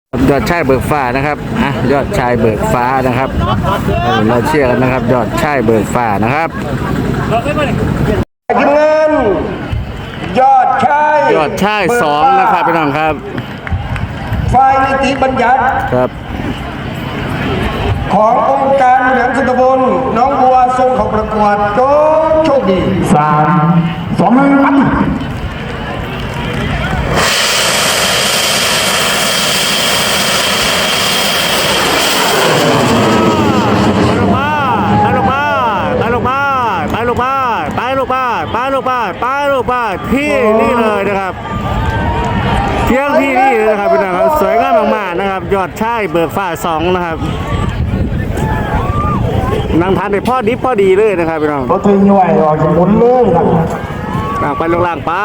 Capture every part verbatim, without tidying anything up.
ยอดชายเบิกฟ้านะครับอ่ะยอดชายเบิกฟ้านะครับเราเชื่อกันนะครับ ยอดชายเบิกฟ้านะครับทีมงานยอดชายยอดชายสองนะครับพี่น้องครับฝ่ายนิติบัญญัติครับขององค์การบริหารส่วนตำบลน้องบัวส่งเข้าประกวดโจโชคดีสามสองหนึ่งปั้นไปลูกบ้านไปลูกบ้านไปลูกบ้านไปลูกบ้านที่นี่เลยนะครับเที่ยงที่นี่เลยนะครับพี่น้องครับสวยงามมากๆนะครับยอดชายเบิกฟ้าสองนะครับนั่งทานได้พอดีพอดีเลยนะครับพี่น้องรถถึงย่อยออกจากบนเลยครับล่างไปลงล่างไป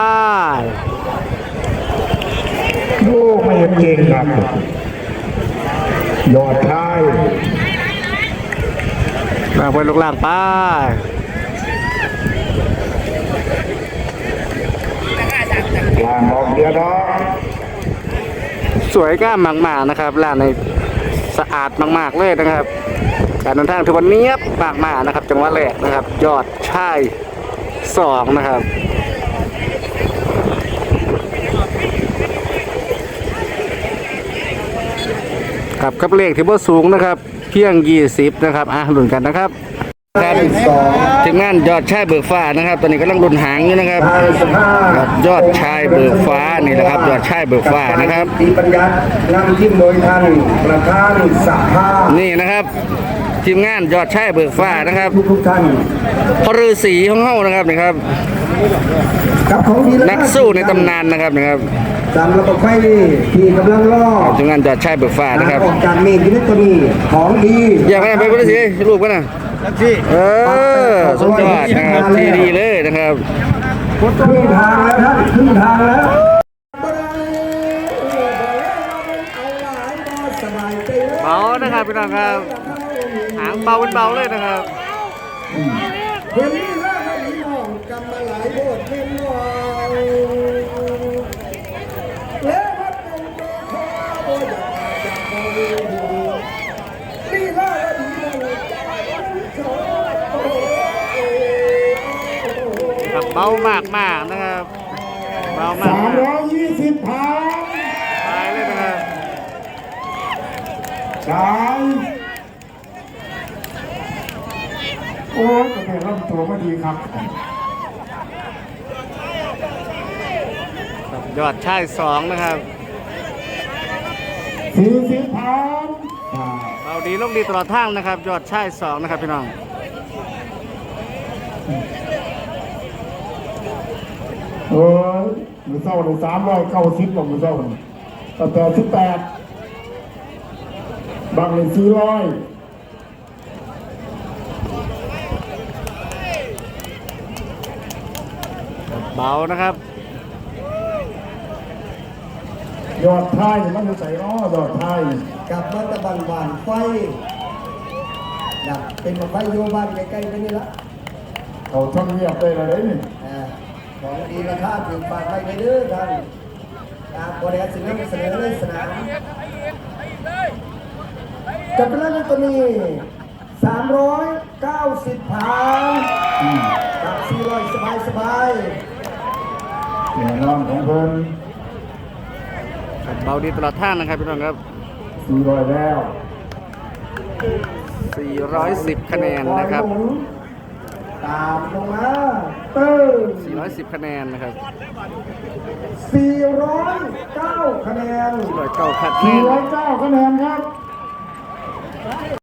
โอ้ไม่เห็นเก่งครับยอดชายล่างไปลงล่างไปลางออกเดียวดอกสวยงามมากๆนะครับร้านในสะอาดมากๆเลยนะครับการเดินทางถือว่าเนียบมากๆนะครับจังหวะแรกนะครับยอดชายสองนะครับกับกับเลขที่ว่าสูงนะครับเพียงยี่สิบนะครับอ่ะลุ้นกันนะครับครับทีมงานยอดชายเบิกฟ้านะครับตอนนี้กำลังลุ้นหางอยู่นะครับยอดชายเบิกฟ้านี่แหละครับยอดชายเบิกฟ้านะครับนิติบัญญัตินำทีมโดยท่านประธานสภานี่นะครับทีมงานยอดชายเบิกฟ้านะครับทุกท่านพฤาษีของเฮานะครับนี่ครับนักสู้ในตำนานนะครับนะครับตามระบบไฟที่กำลังล่อทีมงานยอดชายเบิกฟ้านะครับออกจากเมฆที่นี่ตัวนี้ของดีอยากไปไปพฤาษีลูกกันนะเออสุดยอดนะครับที่ดีเลยนะครับครึ่งทางแล้วท่านครึ่งทางแล้วเบานะครับพี่น้องครับหางเบาเป็นเบาเลยนะครับเห็นนี่แล้วพี่น้องกำมาหลายโบสถ์เป็นน้องแล้ววัดองค์ขอโอ้ยจากโบสถ์นี่แล้วดีครับเบามากมากนะครับเบามากสามร้อยยี่สิบพันไปเลยนะครับสามโอ้ยแต่เริ่มตัวไม่ดีครับยอดชายสองนะครับสี่สิบพันเราดีลงดีตลอดทางนะครับยอดชายสองนะครับพี่น้องเออมือเศร้าเลยสามร้อยเก้าสิบหรอมือเศร้าแต่แปดสิบแปดบางเลยสี่ร้อยเบานะครับยอดไทยมันจะใส่ล้อยอดไทยกับมันตะบันบานไฟนะเป็นมาไฟโยบ้านใกล้ๆไปนี่ละเขาทำเงียบได้เลยนี่ของดีราคาถึงฝากไปไปเด้อท่านการบริหารสินค้าเสนอเลยสนามจับไปแล้วตัวนี้สามร้อยเก้าสิบพันกับสี่ร้อยสบายสบายแน่นอนของเพิ่นเบาดีตลอดทางนะครับพี่น้องครับสี่ร้อยแล้วสี่ร้อยสิบคะแนนนะครับตามลงมาเติมสี่ร้อยสิบคะแนนนะครับสี่ร้อยเก้าคะแนนสี่ร้อยเก้าคะแนนสี่ร้อยเก้าคะแนนครับ